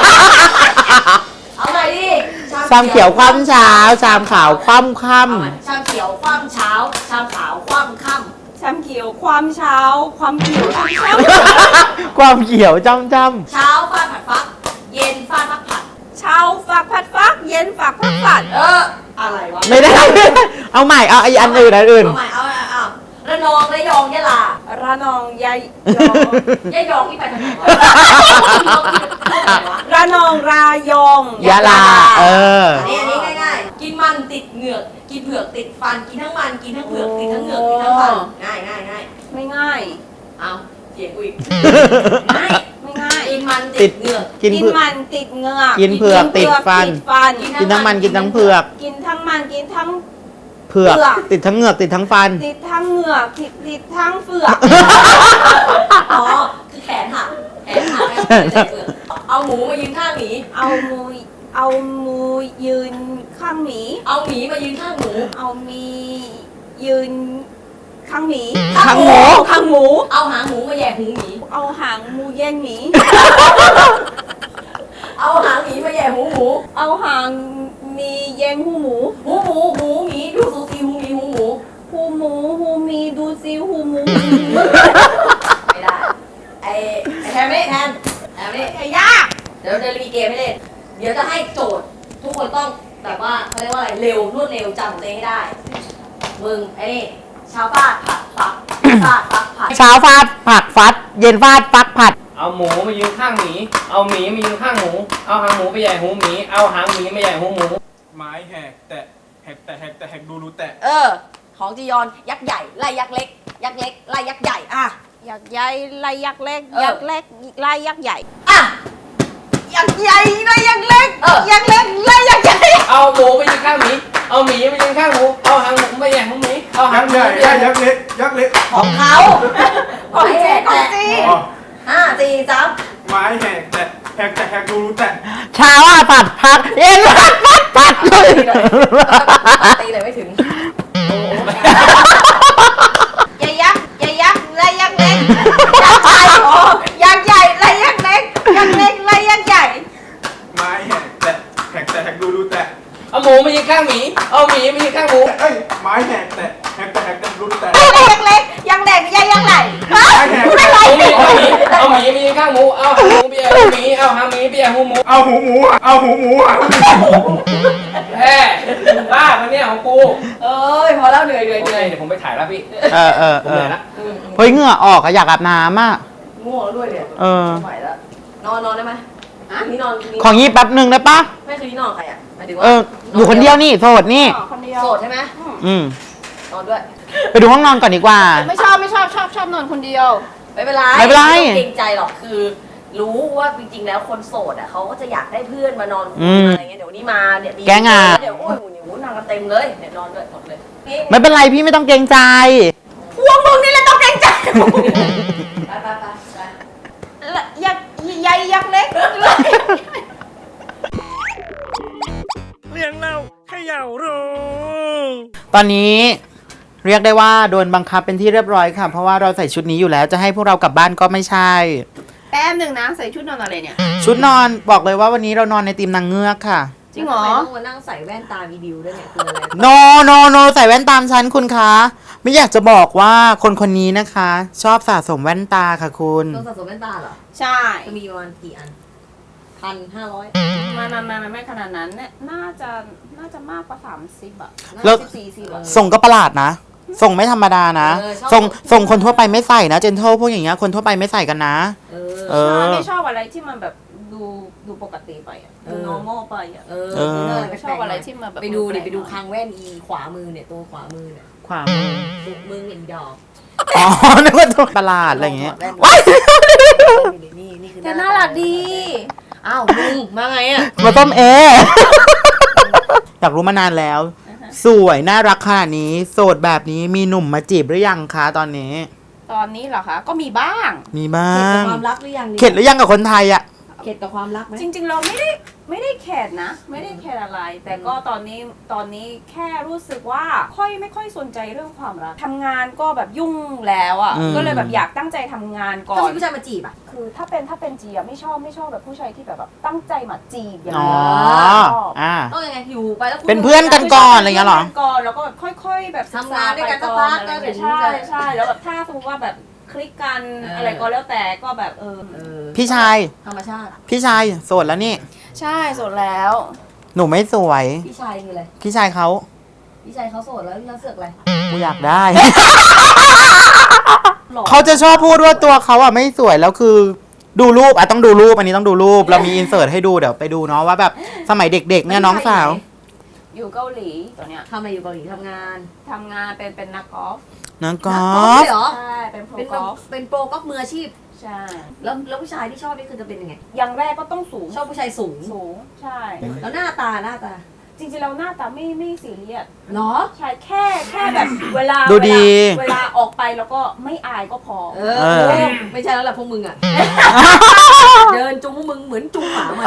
[SPEAKER 2] ำเอาหน่อยดิ
[SPEAKER 3] ชามเขียวคว่ำเช้าชามขาวคว่ำค่
[SPEAKER 2] เอาใหม่ชามเขียวคว่ำเช้า ชามขาวคว่ำค่ำ
[SPEAKER 4] ชามเขียวความเช้าความเขียวความเช้า
[SPEAKER 3] ำความเขียวจำ
[SPEAKER 2] เช้าฟาดผัดฟัก เย็นฟาดฟักผัด
[SPEAKER 4] เช้าฝักผัดฟักเย็นฝักผัดผัด
[SPEAKER 2] อะไรวะ
[SPEAKER 3] ไม่ได้ เอาใหม่เอาไอ้อันอื่น
[SPEAKER 2] เอาใหม่เอาระนองระยองยะลา
[SPEAKER 4] ระนองยายยอง
[SPEAKER 2] ยะยองที่ไปทางไหนวะ
[SPEAKER 4] ระนองรายอง
[SPEAKER 3] ยะลา
[SPEAKER 2] อันนี้ง่ายๆ กินมันติดเหงือก กินเผือกติดฟัน กินทั้งมัน กินทั้งเผือก ติดทั้งเหงือก ติดทั้งฟัน ง่าย
[SPEAKER 4] ไม่ง่าย
[SPEAKER 2] เอาเสียงกูอีก ง่าย
[SPEAKER 4] ไม่ง่าย
[SPEAKER 2] กินมันติดเหงือก
[SPEAKER 3] กิน
[SPEAKER 4] กิน
[SPEAKER 3] เผือก
[SPEAKER 4] มันติดเหงือก
[SPEAKER 3] กินเผือกติดฟัน กินทั้งมันกินทั้งเผือก
[SPEAKER 4] กินทั้งมันกินทั้ง
[SPEAKER 3] เผือก
[SPEAKER 4] เผือก
[SPEAKER 3] ติดทั้งเหงือกติดทั้งฟัน
[SPEAKER 4] ติดทั้งเหงือกติดทั้งเฟือก
[SPEAKER 2] อ๋อ คือแขนหักไม่ใส่เผือกเอาหมูมายืนข้างหมี
[SPEAKER 4] เอามูยืนข้างหมี
[SPEAKER 2] เอาหมีมายืนข้างหมู
[SPEAKER 4] เอามียืนข้างหมี
[SPEAKER 3] ข้างหมู
[SPEAKER 4] ข้างหมู
[SPEAKER 2] เอาหางหมูมาแย่หูหมี
[SPEAKER 4] เอาหางมูแย่งหมี
[SPEAKER 2] เอาหางหมีมาแย่หูหมู
[SPEAKER 4] เอาหางมีแย่งหูหมู
[SPEAKER 2] หูหมูหมีดูสูสีหูหมีหูหมู
[SPEAKER 4] หูหมูหูมีดูซิหูหมู
[SPEAKER 2] ไม่ได้ ไอ้แทนไม่แทนไม่ยาก เดี๋ยวจะมีเกมให้เล่น เดี๋ยวจะให้โจทย์ ทุกคนต้องแบบว่าเขาเรียกว่าอะไร เร็วรวดเร็วจำของตัวเองให้ได้ มึงไอ้นี่ชาวฟาดผัดฟักฟาดฟักผัด
[SPEAKER 3] เช้าฟาดผักฟัด เย็นฟาดฟักผัด
[SPEAKER 6] เอาหมูมายืนข้างหมี เอาหมีมายืนข้างหมู เอาหางหมูไปใหญ่หูหมี เอาหางหมีมาใหญ่หูหมู
[SPEAKER 5] ไม้แหกแตะแหกแตะแหกแตะแหกดูรูแตะ
[SPEAKER 2] ของจียอนยักษ์ใหญ่ไล่ยักษ์เล็ก ยักษ์เล็กไล่ยักษ์ใหญ่
[SPEAKER 4] ยักษ์ใหญ่ไล่ยักษ์เล็กยักษ์เล็กไล่ยักษ์ใหญ่
[SPEAKER 2] ยักษ์ใหญ่ไล่ยักษ์เล็กยักษ์เล็กไล่ยักษ์ใหญ่
[SPEAKER 6] เอาหมูไปยืนข้างหมี เอาหมีไปยืนข้างหมู เอาหางหมูไปใหญ่หูหมี เอาหางหมูไปใหญ่
[SPEAKER 5] ยักษ์เล็กยักษ์เล็ก
[SPEAKER 2] ของเขา
[SPEAKER 4] ของเจ๊ของเจ๊
[SPEAKER 5] อ๋อ
[SPEAKER 2] 5 4 3
[SPEAKER 5] ไม้แหกแตะแหกแตะแหกดูรูแตะ
[SPEAKER 3] เช้าผัดผัก เย็นผัด
[SPEAKER 2] ตีเลยไม่ถึง
[SPEAKER 4] ยักษ์ไล่ยักษ์เล็กยักษ์ใหญ่ยักษ์ใหญ่ไล่ยักษ์เล็กยักษ์เล็กไล่ยักษ์ใหญ่
[SPEAKER 5] ไม้แหกแตะแหกแตะแหกดูรูแตะ
[SPEAKER 6] เอาหมูมายืนข้างหมี เอาหมีมายืนข้างหมู
[SPEAKER 5] เอ้ยไม้แหกแตะแหกแตะแหกแตะดูรูแตะ
[SPEAKER 4] ไล่ยักษ์เล็กยักษ์เล็กยักษ์ใหญ่
[SPEAKER 5] ไม้แหกแตะ
[SPEAKER 6] เอาหมีมายืนข้างหมู เอาหางหมูไปใหญ่หูหมี เอาหางหมีไปใหญ่หูหมู
[SPEAKER 5] เอาหูหมูเอาหูหมูอ่ะ
[SPEAKER 6] แฮ่บ้ามันเนี่ยของกู
[SPEAKER 2] เอ้ยพอแล้วเหนื่อย
[SPEAKER 6] โอเคเดี๋ยวผมไปถ่ายแล้วพี่ ผมเหนื่อยละ
[SPEAKER 3] เฮ้ยเหงื่อออกอะอยากอาบน้ำอ่ะ
[SPEAKER 2] ง่วงแล้วด้วยเนี่ย ไม่ไหวแล้วนอนได้ไหมนี่นอนคืนนี้
[SPEAKER 3] ของยี่แป๊บหนึ่งได้ปะ
[SPEAKER 2] ไม่คืนนี้นอนใครอ่ะหมายถึงว่า
[SPEAKER 3] อยู่คนเดียวนี่โสดนี่
[SPEAKER 4] คนเดียว
[SPEAKER 2] โสดใช่ไหม นอนด้วย
[SPEAKER 3] ไปดูห้องนอนก่อนดีกว่า
[SPEAKER 4] ไม่ชอบนอนคนเดียว
[SPEAKER 2] ไม่เป็นไร
[SPEAKER 3] ไม่เป็นไร
[SPEAKER 2] ไม่ต้องเกรงใจหรอกคือ รู้ว่าจริงๆแล้วคนโสดอ่ะเขาก็จะอยากได้เพื่อนมานอนคุยอะไรเงี้ยเดี๋ยวนี้มาเนี่ยมี
[SPEAKER 3] แกงอ่ะ
[SPEAKER 2] เดี๋ยวโอ้ยหูนอนกันเต็มเลยเนี่ยนอนด้วยหมดเลยนี่
[SPEAKER 3] ไม่เป็นไรพี่ไม่ต้องเกรงใจ
[SPEAKER 2] พวกมึงนี่แหละต้องเกรงใจไป
[SPEAKER 4] ยักษ์ใหญ่ยักษ์เล็ก
[SPEAKER 1] เลี้ยงเราเขย่ารู้
[SPEAKER 3] ตอนนี้เรียกได้ว่าโดนบังคับเป็นที่เรียบร้อยค่ะ เพราะว่าเราใส่ชุดนี้อยู่แล้วจะให้พวกเรากลับบ้านก็ไม่ใช่
[SPEAKER 4] แป๊บหนึ่งนะใส่ชุดนอนอะไรเนี่ย
[SPEAKER 3] ชุดนอนบอกเลยว่าวันนี้เรานอนในทีมนางเงือกค่ะ
[SPEAKER 4] จริงเหรอ
[SPEAKER 2] ทำไมต้องมานั่งใส่แว่นตาวีดิวด้วยเนี่ยคืออะไร
[SPEAKER 3] โนใส่แว่นตามฉันคุณคะ ไม่อยากจะบอกว่าคนคนนี้นะคะ ชอบสะสมแว่นตาค่ะคุณ
[SPEAKER 2] ต้องสะสมแว่นตาเหรอ
[SPEAKER 4] ใช่
[SPEAKER 2] จะมีประมาณกี่อัน 1,500
[SPEAKER 4] ไม่ขนาดนั้นเนี่ยน่าจะมากกว่า30อ่ะ
[SPEAKER 3] แล้ว
[SPEAKER 4] 40อ่ะ
[SPEAKER 3] ส่งก็ประหลาดนะ ส่งไม่ธรรมดานะ
[SPEAKER 2] ชอบ
[SPEAKER 3] ส่งคนทั่วไปไม่ใส่นะเจนเทลพวกอย่างเงี้ยคนทั่วไปไม่ใส่กันนะ
[SPEAKER 2] เออ
[SPEAKER 3] เออ
[SPEAKER 4] ไม่ชอบอะไรที่มันแบบดูดูปกติไปอ่ะ
[SPEAKER 2] เอ
[SPEAKER 4] ดู
[SPEAKER 2] อ
[SPEAKER 4] normal ไปอ่ะ
[SPEAKER 2] เออ
[SPEAKER 3] เออ
[SPEAKER 4] ไม่ชอบอะไรที่มาแบบ
[SPEAKER 2] ไปดูดิ
[SPEAKER 4] แปลกๆ
[SPEAKER 2] ไปดูคางแว่นอีขวามือเนี่ยตัวขวามือเนี่ย
[SPEAKER 3] ขวามือ
[SPEAKER 2] ตุกมึงเห็นดอก
[SPEAKER 3] อ๋อ นึกว่าตัวประหลาดอะไรอย่างเงี้ย
[SPEAKER 2] แว่น
[SPEAKER 3] ว้าย
[SPEAKER 2] นี่คือ
[SPEAKER 4] แต่น่ารักดี
[SPEAKER 2] อ้าวมึงมาไงอ่ะ
[SPEAKER 3] มาต้มเอ อยากรู้มานานแล้ว สวยน่ารักขนาดนี้ โสดแบบนี้มีหนุ่มมาจีบหรือยังคะตอนนี้
[SPEAKER 4] ตอนนี้เหรอคะ ก็มีบ้าง
[SPEAKER 3] มีบ้า
[SPEAKER 2] เข็ดกับ
[SPEAKER 3] ง
[SPEAKER 2] ความรักหรือยัง
[SPEAKER 3] เข็ดหรือยังกับคนไทยอ่ะ
[SPEAKER 2] เข็ดกับความรักไหม
[SPEAKER 4] จริงๆเราไม่ได้เข็ดนะ ไม่ได้เข็ดอะไร แต่ก็ตอนนี้แค่รู้สึกว่าไม่ค่อยสนใจเรื่องความรักทำงานก็แบบยุ่งแล้วอ่ะ
[SPEAKER 3] อืม
[SPEAKER 4] ก็เลยแบบอยากตั้งใจทำงานก่อ
[SPEAKER 2] ถ้ามี
[SPEAKER 4] น
[SPEAKER 2] ผู้ชายมาจีบอ่ะ
[SPEAKER 4] คือถ้าเป็นจีอะไม่ชอบแบบผู้ชายที่แบบตั้งใจมาจีบอย่าง
[SPEAKER 3] อ๋อ
[SPEAKER 4] นี้ชอบ
[SPEAKER 3] อ่า
[SPEAKER 2] ต้องยังไงอยู่ไปแล้วคุณ
[SPEAKER 3] เป็นเพื่อนกันก่อนอะไรเงี้ยเหรอ
[SPEAKER 4] พื่นก่อนแล้วก็แบบค่อยๆ แบบ
[SPEAKER 2] ทำงานด้วยกันสักพัก
[SPEAKER 4] อะไรอย่างเงี้ย
[SPEAKER 2] แล้วเดี๋ยว
[SPEAKER 4] ใช่แล้วแบบถ้าสมมติว่าแบบคลิกกันอะไรก็แล้วแต่ก็แบบ
[SPEAKER 2] เออ
[SPEAKER 3] พี่ชาย
[SPEAKER 2] ธรรมชาติ
[SPEAKER 3] พี่ชายโสดแล้วนี่
[SPEAKER 4] ใช่สดแล้ว
[SPEAKER 3] หนูไม่สวย
[SPEAKER 2] พี่ชายคืออะไร
[SPEAKER 3] พี่ชายเขา
[SPEAKER 2] พี่ชายเขาโสดแล้วเสือกอะไร
[SPEAKER 3] กูอยากได้
[SPEAKER 2] หล่อ
[SPEAKER 3] เขาจะชอบพูดว่าตัวเขาอ่ะไม่สวยแล้วคือ ดูรูปอ่ะต้องดูรูปอันนี้ต้องดูรูปเรามีอินเสิร์ตให้ดูเดี๋ยวไปดูเนาะว่าแบบสมัยเด็กๆเนี่ยน้องสาว
[SPEAKER 4] อยู่เกาหลีตอนเนี้ย
[SPEAKER 2] ทำอะไรอยู่เกาหลีทำงาน
[SPEAKER 4] ทำงานเป็นนักกอล์ฟ
[SPEAKER 3] น้องก
[SPEAKER 2] นั
[SPEAKER 3] อก
[SPEAKER 2] อ
[SPEAKER 3] ล์
[SPEAKER 2] ล์ฟ
[SPEAKER 3] ฟ
[SPEAKER 2] เลยเหรอ
[SPEAKER 4] ใช่เป็นโปร
[SPEAKER 2] เป็น
[SPEAKER 4] กอล์ฟ
[SPEAKER 2] เป็นโปรกอล์ฟมืออาชีพ
[SPEAKER 4] ใช่
[SPEAKER 2] แล้วผู้ชายที่ชอบนี่คือจะเป็นยังไง
[SPEAKER 4] อย่างแรกก็ต้องสูง
[SPEAKER 2] ชอบผู้ชายสูง
[SPEAKER 4] สูงใช่
[SPEAKER 2] แล้วหน้าตา
[SPEAKER 4] จริงๆเราหน้าตาไม่ซีเรียส
[SPEAKER 2] เหรอ
[SPEAKER 4] ใช่แค่แบบเวลา
[SPEAKER 3] ดูดี
[SPEAKER 4] เวลาออกไปแล้วก็ไม่อายก็พอ
[SPEAKER 2] เอ
[SPEAKER 3] เออ
[SPEAKER 2] ไม่ใช่แล้วแหละพวกมึงอ่ะ เดินจุงพวกมึงเหมือนจุงหมามา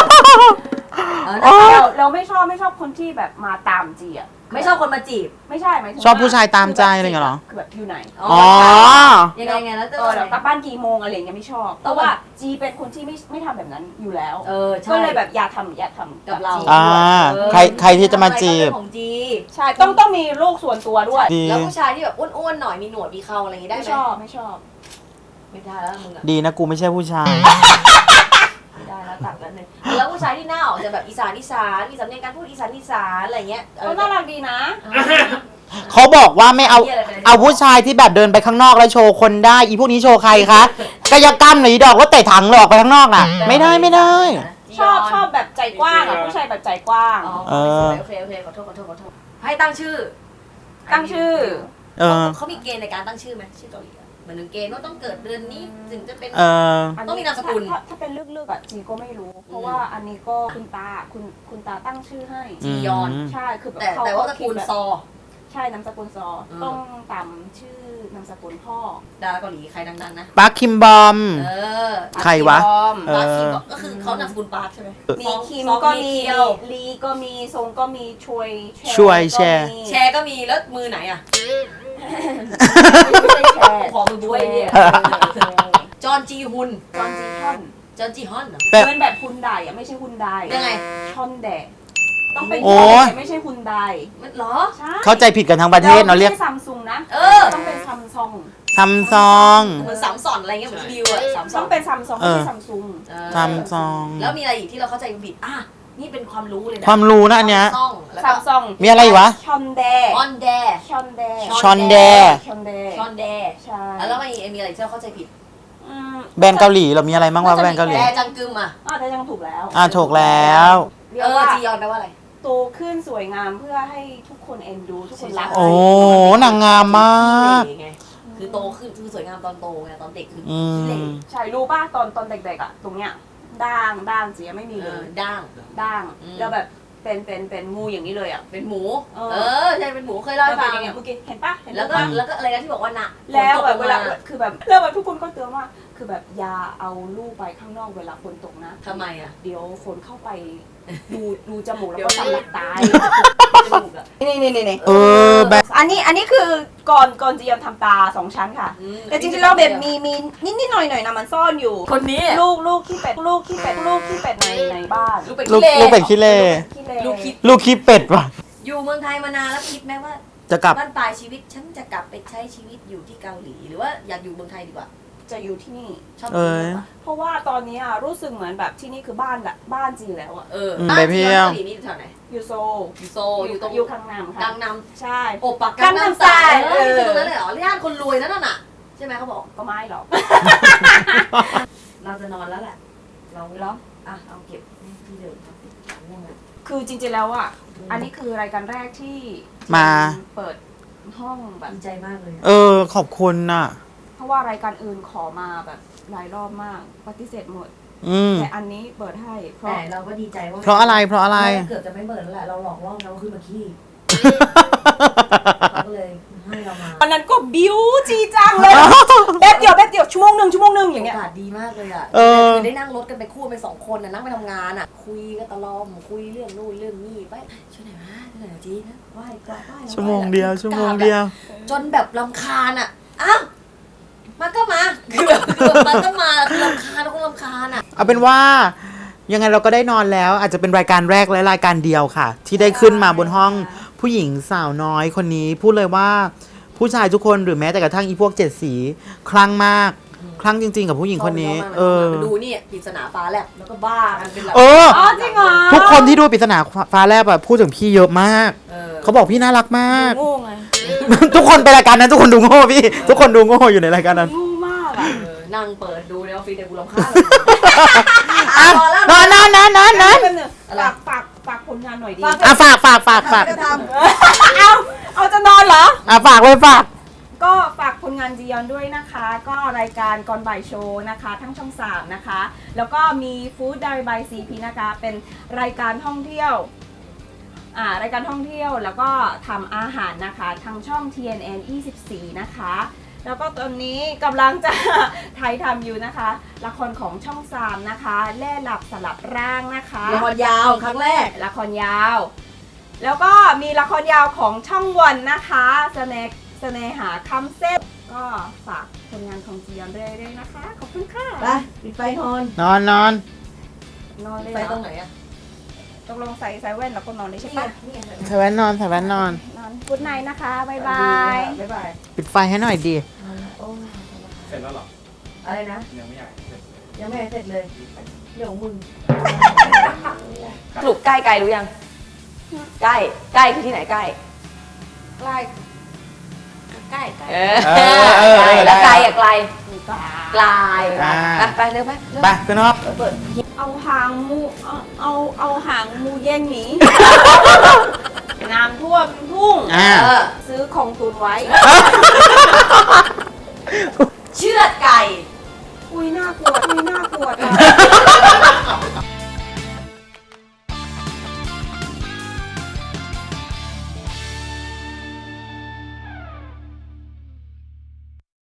[SPEAKER 4] เราไม่ชอบคนที่แบบมาตามจีอ่ะ
[SPEAKER 2] ไม่ชอบคนมาจีบ
[SPEAKER 4] ไม่ใช่หมายถึง
[SPEAKER 3] ชอบผู้ชายตามใจอะไรเงี้ยเหรอ
[SPEAKER 4] คือแบบอยู่ไหน
[SPEAKER 3] อ๋อ
[SPEAKER 2] ยังไงแล้วจะ
[SPEAKER 4] เรากลับบ้านกี่โมงอะไรอย่างเงี้ยไม่ชอบเพราะว่าจีเป็นคนที่ไม่ทำแบบนั้นอยู่แล้ว
[SPEAKER 2] ใช่
[SPEAKER 4] ก็เลยแบบอย่าทำ
[SPEAKER 2] กับเรา
[SPEAKER 4] จี
[SPEAKER 3] อ่าใครที่จะมาจีบ
[SPEAKER 2] ของจี
[SPEAKER 4] ใช่ต้องมีโลกส่วนตัวด้วย
[SPEAKER 3] ดี
[SPEAKER 2] แล้วผู้ชายที่แบบอ้วนๆหน่อยมีหนวดมีเขาอะไรอย่างงี้ได้
[SPEAKER 4] ไม่
[SPEAKER 2] ไหม
[SPEAKER 4] ชอบไม่ชอบ
[SPEAKER 2] ไม่ได้แล้วมึงอ่ะ
[SPEAKER 3] ดีนะกูไม่ใช่ผู้ชาย
[SPEAKER 2] ไม่ได้แล้วตัดแล้วหนึ่งแล้วผู้ชายที่หน้าออกจะแบบอีสานมีสำเนียงการพูดอีสานอะไรเงี้ย
[SPEAKER 4] ก็น่ารักดีนะ
[SPEAKER 3] เขาบอกว่าไม่เอาผู้ชายที่แบบเดินไปข้างนอกแล้วโชว์คนได้ อีพวกนี้โชว์ใครคะกายกรรมหรืออีดอกว่าเตะถังหลอกไปข้างนอกน่ะ ไม่ได้
[SPEAKER 4] ชอบแบบใจกว้างอ่ะผู้ชายแบบใจกว้าง
[SPEAKER 2] โอเคขอโทษให้ตั้งชื่อ
[SPEAKER 4] ตั้งชื่อ
[SPEAKER 3] เออ
[SPEAKER 2] เขามีเกณฑ์ในการตั้งชื่อไหมชื่อเกาหลีเหมือนเกณฑ์ว่าต้องเกิดเดือนนี้ถึงจะเป็น
[SPEAKER 3] เออ
[SPEAKER 2] ต้องมีนามสกุล
[SPEAKER 4] ถ้าเป็นเลือกๆอ่ะจีก็ไม่รู้ เพราะว่าอันนี้ก็คุณตาตั้งชื่อให้
[SPEAKER 2] จียอน
[SPEAKER 4] ใช่คือแบบ
[SPEAKER 2] แต่ว่าตระกูลซอ
[SPEAKER 4] ใช่นามสกุลซอต้องตามชื่อนามสกุลพ่อ
[SPEAKER 2] ดาราเกาหลีใครดังๆนะ
[SPEAKER 3] ปาร์คคิมบอม ใครวะ เออ
[SPEAKER 2] ปาร์คคิมก็คือเขานามสกุลปาร์คใช่ไหม
[SPEAKER 4] มีคิมก็มีลีก็มีซงก็มีช่วย
[SPEAKER 3] แชร์
[SPEAKER 2] แชร์ก็มีแล้วมือไหนอ่ะ
[SPEAKER 4] ไม่ใช่แชร์
[SPEAKER 2] ขอมือบ้วยเนี่ยจอนจีฮุน
[SPEAKER 4] จอนจีฮอน
[SPEAKER 2] จอนจีฮอนเหรอ
[SPEAKER 3] แบบ
[SPEAKER 4] เหมือนแบบฮุนไดอ่ะไม่ใช่ฮุนได
[SPEAKER 2] ยังไง
[SPEAKER 4] ชอนแดต้องเป็น
[SPEAKER 3] โอ้
[SPEAKER 4] ชอนแดไม่ใช่ฮุนได
[SPEAKER 2] มันเหรอ
[SPEAKER 4] ใช่
[SPEAKER 3] เข้าใจผิดกันทั้งประเทศเนาะเรียก
[SPEAKER 4] ไม่ใช่ซัมซุงนะ
[SPEAKER 2] เออ
[SPEAKER 4] ต้องเป็นซัมซุง
[SPEAKER 3] ซัมซอง
[SPEAKER 2] เหมือนสามสอนอะไรเงี้ยเหมือนบิวอะสามสอ
[SPEAKER 4] ต้อน งเป็นซัมซุง
[SPEAKER 3] เอ
[SPEAKER 4] ไม่
[SPEAKER 3] อ
[SPEAKER 4] ใช่ซัมซุง
[SPEAKER 3] ซัมซอง
[SPEAKER 2] แล้วมีอะไรอีกที่เราเข้าใจผิดนี่เป็นความรู้เลยนะ
[SPEAKER 3] ความรู้นะอันเนี้ย
[SPEAKER 2] ซ่องแล้ว
[SPEAKER 4] ซั
[SPEAKER 2] ก็
[SPEAKER 4] มซุง
[SPEAKER 3] มีอะไรอีกวะ
[SPEAKER 4] ชอนแด
[SPEAKER 2] ออนแด
[SPEAKER 4] ชอนแด
[SPEAKER 3] ชอนแด
[SPEAKER 4] ชอนแด
[SPEAKER 2] ชอนแด
[SPEAKER 4] ใช่
[SPEAKER 2] แล้วมีอะไรที่เราเข้าใจผิด
[SPEAKER 3] แบรนด์เกาหลีเรามีอะไรบ้างวะแบรนด์เกาหลี
[SPEAKER 2] แดจังกึมอ่ะ
[SPEAKER 4] แต่ยังถูกแล้ว
[SPEAKER 3] ถูกแล้ว
[SPEAKER 4] เรียกว่า
[SPEAKER 2] จียอนแปลว่าอะไร
[SPEAKER 4] โตขึ้นสวยงามเพื่อให้ทุกคนเอ็นดูทุกคนรัก
[SPEAKER 3] โอ้นางงามมาก
[SPEAKER 2] ไงคือโตขึ้นคือสวยงามตอนโตไงตอนเด็กคือ
[SPEAKER 3] อื
[SPEAKER 2] ขี้เหร่
[SPEAKER 3] ม
[SPEAKER 4] ใช่รู้ป่ะตอนเด็กๆอ่ะตรงเนี้ยด่างเสียไม่มีเลย
[SPEAKER 2] ด่าง
[SPEAKER 4] ด่าง
[SPEAKER 2] อืม
[SPEAKER 4] แล้วแบบเป็นงูอย่างนี้เลยอ่ะ
[SPEAKER 2] เป็นหมู
[SPEAKER 4] เออ
[SPEAKER 2] ใช่เป็นหมูเคยเล่าให้ฟัง
[SPEAKER 4] เมื่อกี้เห็นป่ะเห็น
[SPEAKER 2] แล้วก็
[SPEAKER 4] ป่ะ
[SPEAKER 2] แล้วก็อะไรนะที่บอกว่าหนัก
[SPEAKER 4] แล้วแบบ
[SPEAKER 2] ฝ
[SPEAKER 4] เวน
[SPEAKER 2] ต
[SPEAKER 4] ลาก คือแบบแล้วแบบทุกคนก็เตือนว่าคือแบบอย่าเอาลูกไปข้างนอกเวลาฝนตกนะ
[SPEAKER 2] ทำไมอ่ะ
[SPEAKER 4] เดี๋ยวฝนเข้าไปดูจมูกแล้วก็สำลักตาย
[SPEAKER 2] จมูกอ่ะ
[SPEAKER 4] นี่
[SPEAKER 3] เออแบบ
[SPEAKER 4] อันนี้คือก่อนจะยอมทำตา2 ชั้นค่ะ แต่จริงๆเราแบบมีนิดหน่อยนะมันซ่อนอยู่
[SPEAKER 2] คนนี้
[SPEAKER 4] ลูกขี้เป็ดในบ้าน
[SPEAKER 2] ลูกเป็ด
[SPEAKER 3] ลูก
[SPEAKER 2] ขี้เหร่
[SPEAKER 3] ลูกเป็ดขี้เล่
[SPEAKER 4] ขี้เล
[SPEAKER 2] ลูกคิด
[SPEAKER 3] ลูกขี้เป็ดว่ะ
[SPEAKER 2] อยู่เมืองไทยมานานแล้วคิดไหมว่า
[SPEAKER 3] จะกลับ
[SPEAKER 2] บ้านปลายชีวิตฉันจะกลับไปใช้ชีวิตอยู่ที่เกาหลี หรือว่าอยากอยู่เมืองไทยดีกว่า
[SPEAKER 4] จะอยู่ที่นี่
[SPEAKER 2] ชอบ
[SPEAKER 3] เอ
[SPEAKER 2] ที่
[SPEAKER 3] อ
[SPEAKER 2] นี่มากกว่า
[SPEAKER 4] เพราะว่าตอนนี้รู้สึกเหมือนแบบที่นี่คือบ้านละบ้านจีแล้วอะ
[SPEAKER 3] ไปเที่ยว
[SPEAKER 2] เกาหลีนี่อยู่แถวไหน
[SPEAKER 4] อยู่โซ
[SPEAKER 2] อยู่โซลอยู่ตรง
[SPEAKER 4] อยู่ข้างน้ำค่ะ
[SPEAKER 2] กังน
[SPEAKER 4] ใช่
[SPEAKER 2] ำโอปัก
[SPEAKER 4] กังนำสาย
[SPEAKER 2] เอออยู่ตรงนั้นเลยเหรอย่านคนรวยนั่นน่ะใช่ไหมเขาบอก
[SPEAKER 4] ก็ไม่หรอก
[SPEAKER 2] เราจะนอนแล้วแหละเรา
[SPEAKER 4] เหรอ
[SPEAKER 2] อ่ะเอาเก็บที่เดิมครับง่วงแล้ว
[SPEAKER 4] คือจริงๆแล้วอ่ะอันนี้คือรายการแรกที่
[SPEAKER 3] มา
[SPEAKER 4] เปิดห้องแบบ
[SPEAKER 2] ดีใจมากเลยอะ
[SPEAKER 3] ขอบคุณน่ะ
[SPEAKER 4] เพราะว่ารายการอื่นขอมาแบบหลายรอบมากปฏิเสธหมด
[SPEAKER 3] อืม
[SPEAKER 4] แต่อันนี้เปิดให้เพราะ
[SPEAKER 2] แต่เราก็ดีใจว่า
[SPEAKER 3] เพราะอะไรเพราะอะไร
[SPEAKER 2] เกือบจะไม่เปิดแล้วแหละเราหลอกล่อเขาขึ้นมาขี้เขาก็เลยให้เรามา
[SPEAKER 4] วันนั้นก็บิวจีจังเลยแป๊บเดียวชั่วโมงหนึ่งอย่างเงี้ย
[SPEAKER 2] โอกาสดีมากเลยอ่ะ
[SPEAKER 3] เออ
[SPEAKER 2] คือได้นั่งรถกันไปคู่ไป2 คนน่ะนั่งไปทำงานอ่ะ คุยกันตลอดคุยเรื่องนู่นเรื่องนี่ไปช่วยหน่อยมาช่วยหน่อยจีนะไหว้กราบไหว้
[SPEAKER 3] ชั่วโมงเดียว
[SPEAKER 2] จนแบบรำคาญอ่ะอ้าวมาก็มาคือแบบมันก็มาคือรำคาญแล้วก็รำคาญอ่ะ
[SPEAKER 3] เอาเป็นว่า ยังไงเราก็ได้นอนแล้ว อาจจะเป็นรายการแรกและรายการเดียวค่ะ ที่ได้ขึ้นมาบนห้องผู้หญิงสาวน้อยคนนี้ พูดเลยว่าผู้ชายทุกคนหรือแม้แต่กระทั่งอีพวก7 สีคลั่งมาก คลั่งจริง ๆ กับผู้หญิงคนนี้
[SPEAKER 2] ไปดูนี่ปริศนาฟ้าแลบแล้วก็บ้ากันเป็นแบบ
[SPEAKER 3] เออ
[SPEAKER 4] อ๋อจริงเหรอ
[SPEAKER 3] ทุกคนที่ดูปริศนาฟ้าแลบแบบพูดถึงพี่เยอะมาก
[SPEAKER 2] เออ
[SPEAKER 3] เขาบอกพี่น่ารักมาก
[SPEAKER 4] โง่ไง
[SPEAKER 3] ทุกคนไปรายการนั้นทุกคนดูโง่พี่ ทุกคนดูโง่อยู่ในรายการนั้น
[SPEAKER 4] โง่มากอ่ะ
[SPEAKER 2] นั่งเปิดดูในออฟฟิศแต่กูรำคาญ
[SPEAKER 3] อ่ะ
[SPEAKER 2] พอแล้ว
[SPEAKER 3] นอน
[SPEAKER 4] แป๊บนึง
[SPEAKER 2] อะไร
[SPEAKER 4] ฝากผลงานหน่อยดิ
[SPEAKER 3] อ่ะฝาก
[SPEAKER 2] จะท
[SPEAKER 4] เอาจะนอนเหรอ
[SPEAKER 3] อ่ะฝากเลยฝาก
[SPEAKER 4] ก็ฝากผลงานจียอนด้วยนะคะ ก็รายการก่อนบ่ายโชว์นะคะ ทั้งช่อง 3 นะคะ แล้วก็มีฟู้ดไดบายซีพีนะคะ เป็นรายการท่องเที่ยวรายการท่องเที่ยวแล้วก็ทำอาหารนะคะทางช่อง TNN 24 นะคะ แล้วก็ตอนนี้กำลังจะ ถ่ายทำอยู่นะคะ ละครของช่อง 3 นะคะแล่หลับสลับร่างนะคะ
[SPEAKER 2] ำละครยาวครั้งแรก
[SPEAKER 4] ละครยาว แล้วก็มีละครยาวของช่องวันนะคะเสน่หาคำเส้นก็ฝากผลงานของจียอนเรื่อยๆนะคะ ขอบคุณค่ะ
[SPEAKER 2] ไปปิดไฟนอน
[SPEAKER 3] นอน
[SPEAKER 4] นอนเลย
[SPEAKER 2] ไฟ
[SPEAKER 4] เหร
[SPEAKER 2] ตร
[SPEAKER 4] อง
[SPEAKER 2] ไหนอะ
[SPEAKER 4] ตกลงใส่แว่นแล้วก็นอนเลยใช่
[SPEAKER 2] นี่ไง
[SPEAKER 4] ปะ
[SPEAKER 2] นี่ไง
[SPEAKER 3] ใส่แว่นนอน
[SPEAKER 4] นอนกุดไนนะคะ บ๊ายบาย
[SPEAKER 2] บ๊ายบาย
[SPEAKER 3] ปิดไฟให้หน่อยดี
[SPEAKER 2] โอ้ย
[SPEAKER 6] เสร็จแล้วเหรอ
[SPEAKER 2] อะไรนะ
[SPEAKER 6] ยังไม่อยากเสร็จ
[SPEAKER 2] ยังไม่เสร็จเลยเรื่องของมึง
[SPEAKER 7] สรุปใกล้ไกลรู้ยัง ใกล้ใกล้คือที่ไหนใกล้
[SPEAKER 2] ใกล้ใกล้
[SPEAKER 7] เออ
[SPEAKER 3] เออ
[SPEAKER 7] ใกล้แล้ว
[SPEAKER 3] ได้
[SPEAKER 7] ไกลอะไกลไกล
[SPEAKER 3] อ่า
[SPEAKER 7] ไปเร็วไปเร็ว
[SPEAKER 3] ไปขึ้นห้อง
[SPEAKER 7] เปิด
[SPEAKER 4] เอาหางมูเอาหางมูแย่งหนีน้ำท่วมทุ่ง
[SPEAKER 3] อ่า
[SPEAKER 4] ซื้อของตุนไว้
[SPEAKER 2] เชือดไก่
[SPEAKER 4] อุ้ยน่ากลัว